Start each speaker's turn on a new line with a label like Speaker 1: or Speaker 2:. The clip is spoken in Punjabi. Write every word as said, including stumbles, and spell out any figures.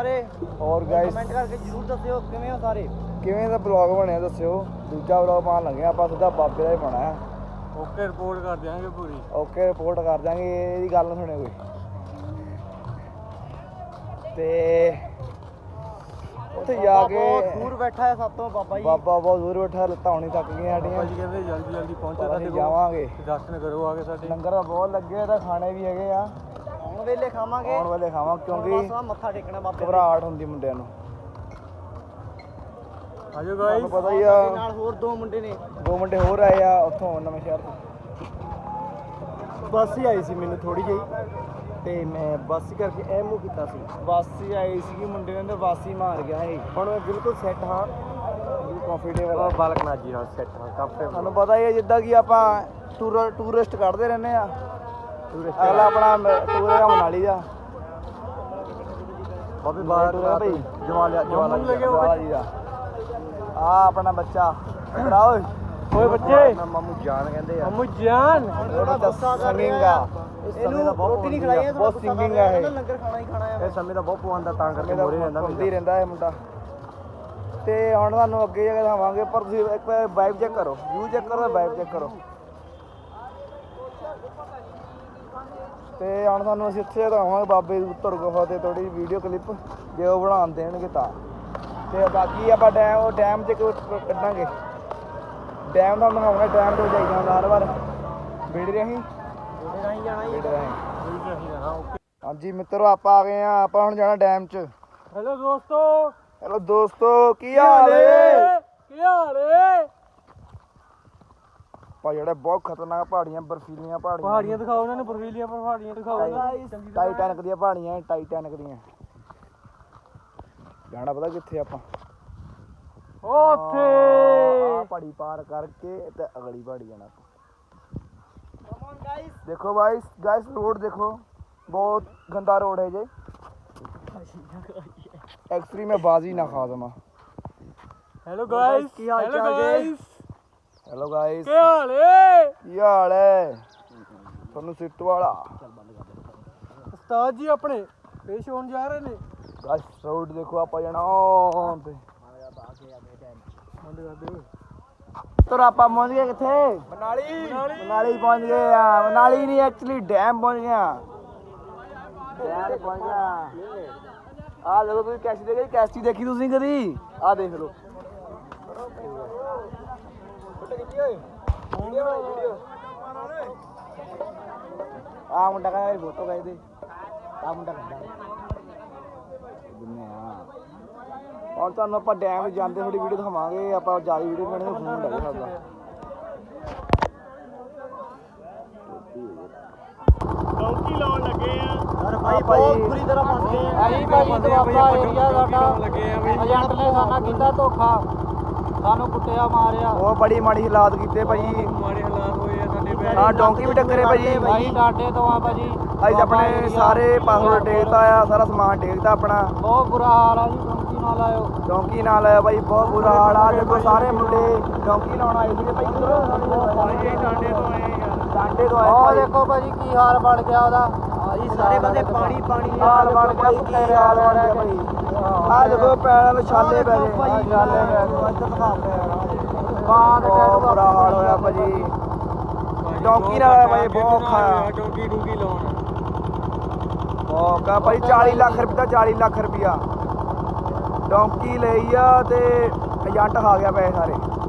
Speaker 1: ਸਾਰੇ
Speaker 2: ਹੋਰ ਗਾਇਸ
Speaker 1: ਕਮੈਂਟ ਕਰਕੇ ਜ਼ਰੂਰ ਦੱਸਿਓ ਕਿਵੇਂ ਹੋ ਸਾਰੇ।
Speaker 2: ਕਿਵੇਂ ਦਾ ਬਲੌਗ ਬਣਿਆ ਦੱਸਿਓ। ਦੂਜਾ ਬਲੌਗ ਪਾਉਣ ਲੱਗੇ ਆਪਾਂ ਸਿੱਧਾ ਬਾਬੇ ਦਾ ਹੀ ਪਾਉਣਾ ਹੈ।
Speaker 1: ਓਕੇ ਰਿਪੋਰਟ ਕਰ ਦਿਆਂਗੇ ਪੂਰੀ।
Speaker 2: ਓਕੇ ਰਿਪੋਰਟ ਕਰ ਦਿਆਂਗੇ, ਇਹਦੀ ਗੱਲ ਨਾ ਸੁਣਿਓ ਕੋਈ। ਤੇ ਉੱਥੇ ਜਾ ਕੇ
Speaker 1: ਬਹੁਤ ਦੂਰ ਬੈਠਾ ਹੈ ਸਾਤੋਂ ਬਾਬਾ ਜੀ।
Speaker 2: ਬਾਬਾ ਬਹੁਤ ਦੂਰ ਬੈਠਾ, ਲੱਤਾਂ ਹੁਣੀ ਥੱਕ ਗਈਆਂ ਸਾਡੀਆਂ।
Speaker 1: ਬਾਬਾ ਜੀ ਕਹਿੰਦੇ ਜਲਦੀ ਜਲਦੀ ਪਹੁੰਚੋ ਸਾਡੇ ਕੋਲ,
Speaker 2: ਜਾਵਾਂਗੇ
Speaker 1: ਦਰਸ਼ਨ ਕਰੋ ਆ ਕੇ ਸਾਡੇ।
Speaker 2: ਲੰਗਰ ਤਾਂ ਬਹੁਤ ਲੱਗੇ ਤਾਂ ਖਾਣੇ ਵੀ ਹੈਗੇ ਆ।
Speaker 1: ਆਉਣ ਵੇਲੇ ਖਾਵਾਂਗੇ,
Speaker 2: ਆਉਣ ਵੇਲੇ ਖਾਵਾਂਗੇ ਕਿਉਂਕਿ
Speaker 1: ਮੱਥਾ ਟੇਕਣਾ ਬਾਬੇ
Speaker 2: ਘਬਰਾਹਟ ਹੁੰਦੀ ਮੁੰਡਿਆਂ ਨੂੰ।
Speaker 1: ਆਜੋ ਗਾਇਸ,
Speaker 2: ਪਤਾ ਹੀ ਆ
Speaker 1: ਨਾਲ ਹੋਰ ਦੋ ਮੁੰਡੇ ਨੇ,
Speaker 2: ਦੋ ਮੁੰਡੇ ਹੋਰ ਆਏ ਆ ਉੱਥੋਂ ਨਵੇਂ ਸ਼ਹਿਰ ਤੋਂ।
Speaker 1: ਬੱਸ ਹੀ ਆਈ ਸੀ ਮੈਨੂੰ ਥੋੜੀ ਜਿਹੀ, ਤੇ ਮੈਂ ਬੱਸ ਕਰਕੇ ਐ ਮੂੰਹ ਕੀਤਾ ਸੀ।
Speaker 2: ਬੱਸ ਹੀ ਆਈ ਸੀਗੀ, ਮੁੰਡੇ ਨੇ ਤਾਂ ਬੱਸ ਹੀ ਮਾਰ ਗਿਆ ਸੀ।
Speaker 1: ਹੁਣ ਮੈਂ ਬਿਲਕੁਲ ਸੈੱਟ ਹਾਂ,
Speaker 2: ਕੰਫਰਟੇਬਲ
Speaker 1: ਬਾਲਕ ਨਾ ਜੀ ਹਾਂ ਸੈੱਟ ਹਾਂ ਕਾਫੀ।
Speaker 2: ਤੁਹਾਨੂੰ ਪਤਾ ਹੀ ਹੈ ਜਿੱਦਾਂ ਕਿ ਆਪਾਂ ਟੂਰ ਟੂਰਿਸਟ ਕੱਢਦੇ ਰਹਿੰਦੇ ਆ। ਅਗਲਾ ਆਪਣਾ ਟੂਰ ਹੈਗਾ ਮਨਾਲੀ ਦਾ।
Speaker 1: ਬਾਬੇ
Speaker 2: ਬਾਹਰ ਟੂਰ ਹੈ ਭਾਈ
Speaker 1: ਜਵਾਲਾ ਜਵਾਲਾ
Speaker 2: ਜਵਾਲਾ ਜੀ ਦਾ। ਆ ਆਪਣਾ ਬੱਚਾ ਬੜਾ ਓਏ
Speaker 1: ਓਏ ਬੱਚੇ,
Speaker 2: ਮਾਮੂ ਜਾਨ ਕਹਿੰਦੇ ਆ।
Speaker 1: ਮਾਮੂ ਜਾਨ
Speaker 2: ਸਿੰਗਿੰਗ ਆ।
Speaker 1: ਇਹਨੂੰ ਰੋਟੀ ਨਹੀਂ ਖਿਲਾਈ,
Speaker 2: ਬਹੁਤ ਸਿੰਗਿੰਗ ਆ ਇਹ।
Speaker 1: ਲੰਗਰ ਖਾਣਾ ਹੀ ਖਾਣਾ ਹੈ।
Speaker 2: ਇਹ ਸਮੇਂ ਦਾ ਬਹੁਤ ਪਵਾਉਂਦਾ, ਤਾਂ ਕਰਕੇ ਮੋਰੇ ਰਹਿੰਦਾ ਹੁੰਦੀ ਰਹਿੰਦਾ ਇਹ ਮੁੰਡਾ। ਤੇ ਹੁਣ ਤੁਹਾਨੂੰ ਅੱਗੇ ਜਾ ਕੇ ਦਿਖਾਵਾਂਗੇ, ਪਰ ਤੁਸੀਂ ਇੱਕ ਵਾਰ ਵਾਈਬ ਚੈੱਕ ਕਰੋ, ਵਿਊ ਚੈੱਕ ਕਰੋ, ਵਾਈਬ ਚੈੱਕ ਕਰੋ। ਤੇ ਹੁਣ ਤੁਹਾਨੂੰ ਅਸੀਂ ਉੱਥੇ ਦਿਖਾਵਾਂਗੇ ਬਾਬੇ ਦੀ ਉੱਤਰ ਗੁਫਾ ਤੇ ਥੋੜੀ ਵੀਡੀਓ ਕਲਿੱਪ, ਜੇ ਉਹ ਬਣਾਉਣ ਦੇਣਗੇ ਤਾਂ। ਤੇ ਬਾਕੀ ਆਪਾਂ ਡੈਮ ਉਹ ਡੈਮ 'ਚ ਕੱਢਾਂਗੇ। ਡੈਮ ਤੁਹਾਨੂੰ ਦਿਖਾਉਣਾ, ਡੈਮ ਤੋਂ ਜਾਈਦਾ ਹੁੰਦਾ ਹਰ ਵਾਰ। ਵੀਡੀਓ ਰਾਹੀਂ
Speaker 1: ਉਹਦੇ ਰਾਹੀਂ ਜਾਣਾ ਹੀ,
Speaker 2: ਵੀਡੀਓ ਰਾਹੀਂ।
Speaker 1: ਉਹਦੇ ਰਾਹੀਂ ਜਾਣਾ। ਓਕੇ
Speaker 2: ਹਾਂਜੀ ਮਿੱਤਰੋ, ਆਪਾਂ ਆ ਗਏ ਆ। ਆਪਾਂ ਹੁਣ ਜਾਣਾ ਡੈਮ 'ਚ।
Speaker 1: ਹੈਲੋ ਦੋਸਤੋ।
Speaker 2: ਹੈਲੋ ਦੋਸਤੋ, ਕੀ ਹਾਲ ਏ?
Speaker 1: ਕੀ ਹਾਲ ਏ?
Speaker 2: ਭਾਈ ਜਿਹੜਾ ਬਹੁਤ ਖਤਰਨਾਕ ਪਹਾੜੀਆਂ, ਬਰਫੀਲੀਆਂ ਪਹਾੜੀਆਂ।
Speaker 1: ਪਹਾੜੀਆਂ ਦਿਖਾਓ ਉਹਨਾਂ ਨੂੰ, ਬਰਫੀਲੀਆਂ ਪਹਾੜੀਆਂ ਦਿਖਾਓ।
Speaker 2: ਟਾਈਟੈਨਿਕ ਦੀਆਂ ਪਹਾੜੀਆਂ, ਟਾਈਟੈਨਿਕ ਦੀਆਂ। ਜਾਣਾ ਪਤਾ ਕਿੱਥੇ ਆਪਾਂ?
Speaker 1: ਉੱਥੇ
Speaker 2: ਆ ਪਹਾੜੀ ਪਾਰ ਕਰਕੇ ਤੇ ਅਗਲੀ ਪਹਾੜੀ ਜਾਣਾ ਆਪਾਂ। ਦੇਖੋ ਗਾਇਸ, ਗਾਇਸ ਰੋਡ ਦੇਖੋ, ਬਹੁਤ ਗੰਦਾ रोड है जे। एक्चुअली मैं बाजी ना खा दमा।
Speaker 1: हेलो गाइस, की हाल चाल जी?
Speaker 2: हेलो गाइस,
Speaker 1: ਕੀ ਹਾਲ ਏ?
Speaker 2: ਕੀ ਹਾਲ ਹੈ ਤੁਹਾਨੂੰ ਸਿੱਟ ਵਾਲਾ?
Speaker 1: ਉਸਤਾਦ ਜੀ ਆਪਣੇ ਪੇਸ਼ ਹੋਣ ਜਾ ਰਹੇ ਨੇ।
Speaker 2: ਗਾਇਸ ਰੋਡ ਦੇਖੋ, ਆਪਾਂ ਜਾਣਾ on ਤੇ।
Speaker 1: ਬੰਦ ਕਰ ਦੇ।
Speaker 2: ਤੋ ਆਪਾਂ ਪਹੁੰਚ ਗਏ ਕਿੱਥੇ?
Speaker 1: ਮਨਾਲੀ।
Speaker 2: ਮਨਾਲੀ ਪਹੁੰਚ ਗਏ ਆ। ਮਨਾਲੀ ਨਹੀਂ, ਐਕਚੁਅਲੀ ਡੈਮ ਪਹੁੰਚ ਗਿਆ। ਡੈਮ ਪਹੁੰਚ ਗਿਆ। ਆ ਦੇਖੋ, ਤੁਸੀਂ ਕੈਸੀ ਦੇਖੀ? ਕੈਸੀ ਦੇਖੀ ਤੁਸੀਂ ਕਦੀ? ਆ ਦੇਖ ਲਓ। ਆ ਮੁੰਡਾ ਕਹਿੰਦਾ ਮੇਰੀ ਫੋਟੋ ਖਿੱਚ ਦੇ। ਆ ਮੁੰਡਾ ਕਹਿੰਦਾ ਦਿੰਨੇ ਆ। ਔਰ ਤੁਹਾਨੂੰ ਆਪਾਂ ਡੈਮ ਜਾਂਦੇ ਥੋੜੀ ਵੀਡੀਓ ਦਿਖਾਵਾਂਗੇ। ਆਪਾਂ ਜ਼ਿਆਦਾ ਵੀਡੀਓ ਬਣਾਉਣੀ, ਫੋਨ ਲੈ ਸਕਦਾ।
Speaker 1: ਡੌਂਕੀ ਲਾਉਣ ਲੱਗੇ ਆ
Speaker 2: ਯਾਰ
Speaker 1: ਭਾਈ, ਬਹੁਤ ਬੁਰੀ ਤਰ੍ਹਾਂ ਫਸ ਗਏ ਆ।
Speaker 3: ਅਸੀਂ ਭਾਈ ਦੁਆਬਾ ਏਰੀਆ ਸਾਡਾ
Speaker 1: ਲੱਗੇ ਆ ਬਈ।
Speaker 3: ਏਜੰਟ ਨੇ ਸਾਡਾ ਕੀਤਾ ਧੋਖਾ, ਸਾਨੂੰ ਕੁੱਟਿਆ ਮਾਰਿਆ।
Speaker 2: ਉਹ ਬੜੀ ਮਾੜੀ ਹਾਲਾਤ ਕੀਤੇ ਭਾਜੀ।
Speaker 1: ਮਾੜੇ ਹਾਲਾਤ ਹੋਏ ਆ ਸਾਡੇ ਪੈਰ।
Speaker 2: ਹਾਂ ਡੌਂਕੀ ਵੀ ਟੱਕਰੇ ਭਾਜੀ।
Speaker 3: ਭਾਈ ਡਾਡੇ ਤੋਂ ਆ ਭਾਜੀ।
Speaker 2: ਅਸੀਂ ਆਪਣੇ ਸਾਰੇ ਪਾਸਵਰਡ ਟੇਕਤਾ ਆ, ਸਾਰਾ ਸਮਾਨ ਟੇਕਤਾ ਆਪਣਾ।
Speaker 3: ਬਹੁਤ ਬੁਰਾ ਹਾਲ ਆ ਜੀ, ਡੌਂਕੀ ਨਾਲ ਆਇਓ।
Speaker 2: ਡੌਂਕੀ ਨਾਲ ਆਇਆ ਭਾਈ, ਬਹੁਤ ਬੁਰਾ ਹਾਲ ਆ। ਦੇਖੋ ਸਾਰੇ ਮੁੰਡੇ ਡੌਂਕੀ ਲਾਉਣ ਆਏ ਸੀਗੇ ਭਾਈ।
Speaker 1: ਭਾਈ ਡਾਂਡੇ ਤੋਂ ਆਏ ਯਾਰ।
Speaker 2: ਡਾਂਡੇ ਤੋਂ ਆਏ
Speaker 3: ਉਹ
Speaker 2: ਭਾਈ।
Speaker 3: ਦੇਖੋ ਭਾਜੀ ਕੀ ਹਾਲ ਬਣ ਗਿਆ ਉਹਦਾ।
Speaker 1: ਭਾਈ ਸਾਰੇ ਬੰਦੇ ਪਾਣੀ ਪਾਣੀ
Speaker 2: ਹਾਲ ਬਣ ਗਿਆ, ਕੀ ਹਾਲ ਬਣ ਗਿਆ ਭਾਈ। ਆ ਦੇਖੋ ਪੈਰਾਂ ਨੂੰ ਛਾਲੇ ਪੈ ਗਏ।
Speaker 1: ਭਾਈ
Speaker 2: ਛਾਲੇ ਪੈ ਗਏ।
Speaker 1: ਇੱਧਰ ਦਿਖਾਉਂਦੇ ਆ।
Speaker 2: ਬਾਂਦ ਬਹੁਤ ਬੁਰਾ ਹਾਲ ਹੋਇਆ ਭਾਜੀ। ਡੌਂਕੀ ਨਾਲ ਆਇਆ ਭਾਈ, ਬਹੁਤ ਔਖਾ ਆ।
Speaker 1: ਡੌਂਕੀ ਡੂੰਗੀ ਲਾਉਣ
Speaker 2: ਉਹ ਕਾ ਭਾਈ ਚਾਲੀ ਲੱਖ ਰੁਪਏ ਦਾ, ਚਾਲੀ ਲੱਖ ਰੁਪਿਆ ਡੌਂਕੀ ਲਈ ਆ। ਤੇ ਏਜੰਟ ਖਾ ਗਿਆ ਪੈਸੇ ਸਾਰੇ।